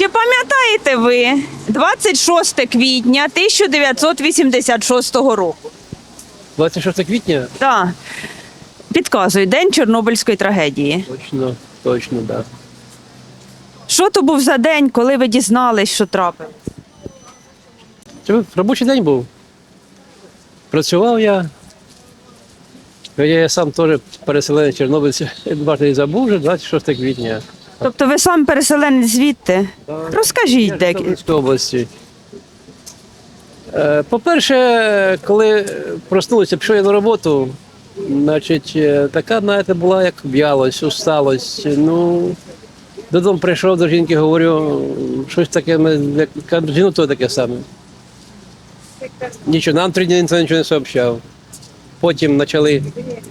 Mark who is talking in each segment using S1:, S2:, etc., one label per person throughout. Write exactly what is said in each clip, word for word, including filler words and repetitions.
S1: Чи пам'ятаєте ви двадцять шосте квітня тисяча дев'ятсот вісімдесят шостого року?
S2: двадцять шостого квітня?
S1: Так. Підказую, день Чорнобильської трагедії.
S2: Точно, точно, так. Да.
S1: Що то був за день, коли ви дізнались, що трапилось?
S2: Це робочий день був. Працював я. Я сам теж переселенець чорнобильця. Бачите, не забув вже двадцять шостого квітня.
S1: Тобто ви сам переселенець звідти? Розкажіть де.
S2: Чорнобильської області. Е, По-перше, коли проснулися, пішов я на роботу, значить, е, така, знаєте, була як в'ялость, усталость. Ну, додому прийшов до жінки, говорю, щось таке, як кажу, жіну то таке саме. Нічого, нам три дні ніхто нічого не сообщав. Потім почали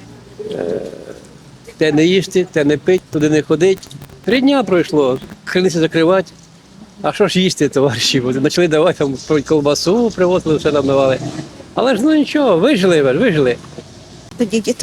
S2: е, те не їсти, те не пити, туди не ходити. Три дні пройшло, криниці закривати. А що ж їсти, товариші? Почали давати там колбасу, привозили, все нам давали. Але ж ну нічого, вижили, вижили.
S3: Тоді діт...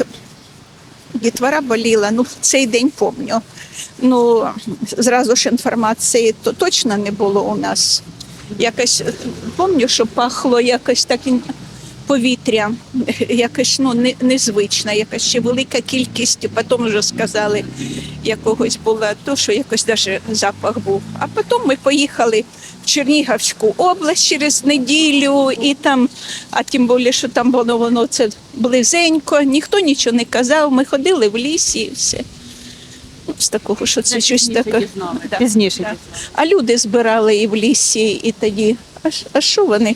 S3: дітвора боліла, ну в цей день пам'ятаю. Ну, зразу ж інформації то точно не було у нас. Якось, пам'ятаю, що пахло якось таким повітря, якось ну, не, незвичне, якась ще велика кількість, потім вже сказали, якогось було то, що якось навіть запах був. А потім ми поїхали в Чернігівську область через неділю, і там, а тим більше, що там воно, воно це близенько, ніхто нічого не казав, ми ходили в лісі і все. Ну, з такого, що це щось таке. Да.
S1: Пізніше.
S3: Да. А люди збирали і в лісі, і тоді, а, а що вони?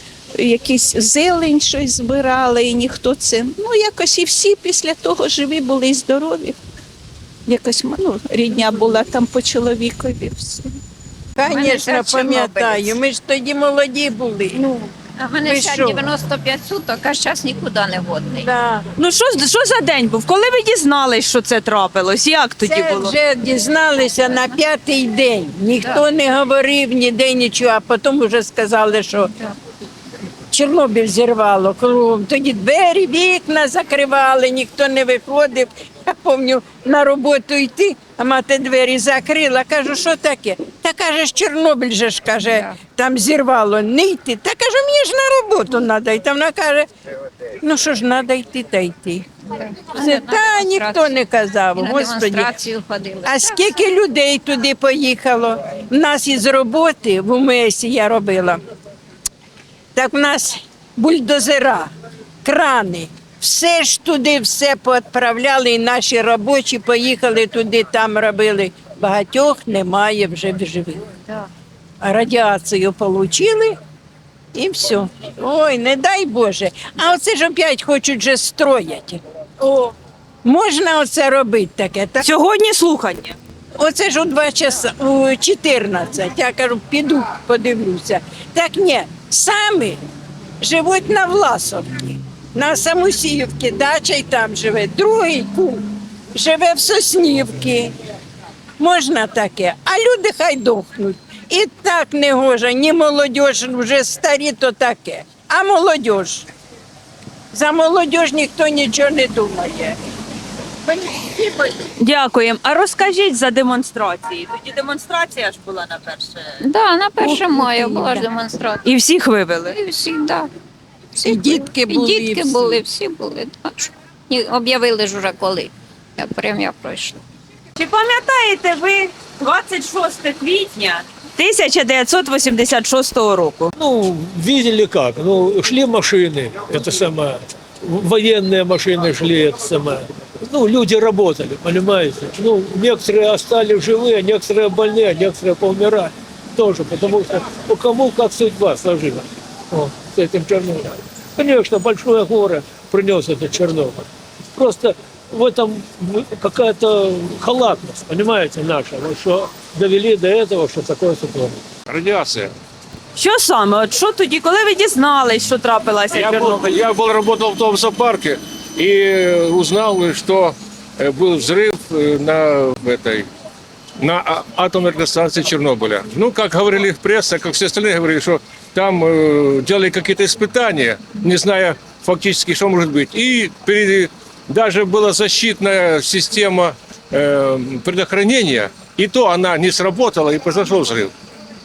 S3: Якісь зелень щось збирали, і ніхто це. Ну, якось і всі після того живі були і здорові. Якось ну, рідня була там по чоловікові. Все.
S4: Звісно, пам'ятаю. Ми ж тоді молоді були.
S3: Ну,
S5: А в мене
S4: Ви
S5: ще
S4: що?
S5: дев'яносто п'ять суток, а зараз нікуди не годний.
S4: Да.
S1: Ну що, ж- що за день був? Коли ви дізнались, що це трапилось? Як тоді
S4: Це
S1: було?
S4: вже дізналися на п'ятий день. Ніхто не говорив ніде нічого, а потім вже сказали, що Чорнобиль зірвало кругом. Тоді двері, вікна закривали, ніхто не виходив. Я пам'ятаю, на роботу йти, а мати двері закрила. Кажу, що таке? Та каже, ж Чорнобиль же ж, каже, там зірвало, не йти. Та кажу, мені ж на роботу треба йти. Вона каже, ну що ж, треба йти та йти. Все, та ніхто не казав,
S5: І на
S4: Господи.
S5: демонстрацію ходили.
S4: А скільки людей туди поїхало? У нас із роботи в УМСі я робила. Так в нас бульдозера, крани, все ж туди все поотправляли, і наші робочі поїхали туди, там робили. Багатьох немає вже в живих. А радіацію отримали і все. Ой, не дай Боже. А оце ж опять хочуть вже строять. О, можна оце робити таке? Так?
S1: Сьогодні слухання.
S4: Оце ж у два часа, у чотирнадцять. Я кажу, піду, подивлюся. Так ні, самі живуть на Власовці, на Самусіївці, дача й там живе. Другий кум живе в Соснівці. Можна таке, а люди хай дохнуть. І так не гоже, ні молодь, вже старі, то таке. А молодь? За молодь ніхто нічого не думає.
S1: Дякуємо. А розкажіть за демонстрації. Тоді демонстрація ж була на перше.
S5: Да, на перше мая була ж демонстрація.
S1: І всіх вивели.
S5: І всі, да. Всі
S4: І дітки були,
S5: І
S4: і
S5: дітки
S4: всі.
S5: були, всі були. Так що ні, об'явили ж уже коли. Як премія пройшла.
S1: Чи пам'ятаєте ви двадцять шосте квітня тисяча дев'ятсот вісімдесят шостого року?
S6: Ну, видели как. Ну, шли машины, это самое, военные машины шли, это самое. Ну, люди работали, понимаете. Ну, некоторые остались живые, некоторые больные, некоторые поумирали тоже, потому что у кому как судьба сложилась вот, с этим Чернобылем. Конечно, большое горе принес этот Чернобыль. Просто в этом какая-то халатность, понимаете, наша, вот, что довели до этого, что такое ситуация.
S7: Радиация.
S1: Що саме? От що тоді, коли ви дізнались, що трапилася
S7: Я был,
S1: Чорнобиль?
S7: я был работал в том зоопарке и узнал, что э, был взрыв э, на этой на а- атомной электростанции Чернобыля. Ну, как говорили в прессе, как все остальные говорили, что там э, делали какие-то испытания, не зная фактически, что может быть. И перед- даже была защитная система э, предохранения, и то она не сработала, и произошел взрыв.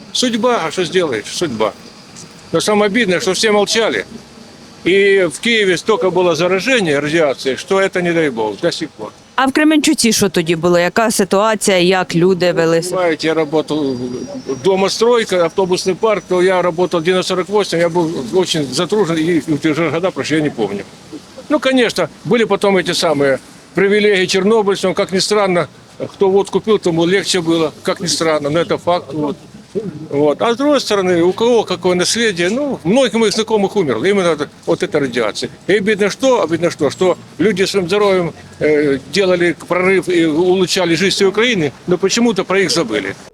S7: Судьба, а что сделаешь? Судьба. Но самое обидное, что все молчали. И в Киеве столько было заражения радиацией, что это, не дай бог, до сих пор.
S1: А в Кременчуці що тоді було? Яка ситуація, як люди вели себе?
S7: Знаете, я работал домостройка, автобусный парк, то я работал в девяносто сорок восемь, я был очень затружен, и в те же года прошли, я не помню. Ну, конечно, были потом эти самые привилегии чернобыльцам, как ни странно, кто водку пил, тому легче было, как ни странно, но это факт. Вот. Вот. А с другой стороны, у кого какое наследие, ну, многих моих знакомых умерло, именно от, от этой радиации. И обидно что, обидно что, что люди своим здоровьем э, делали прорыв и улучшали жизнь всей Украины, но почему-то про их забыли.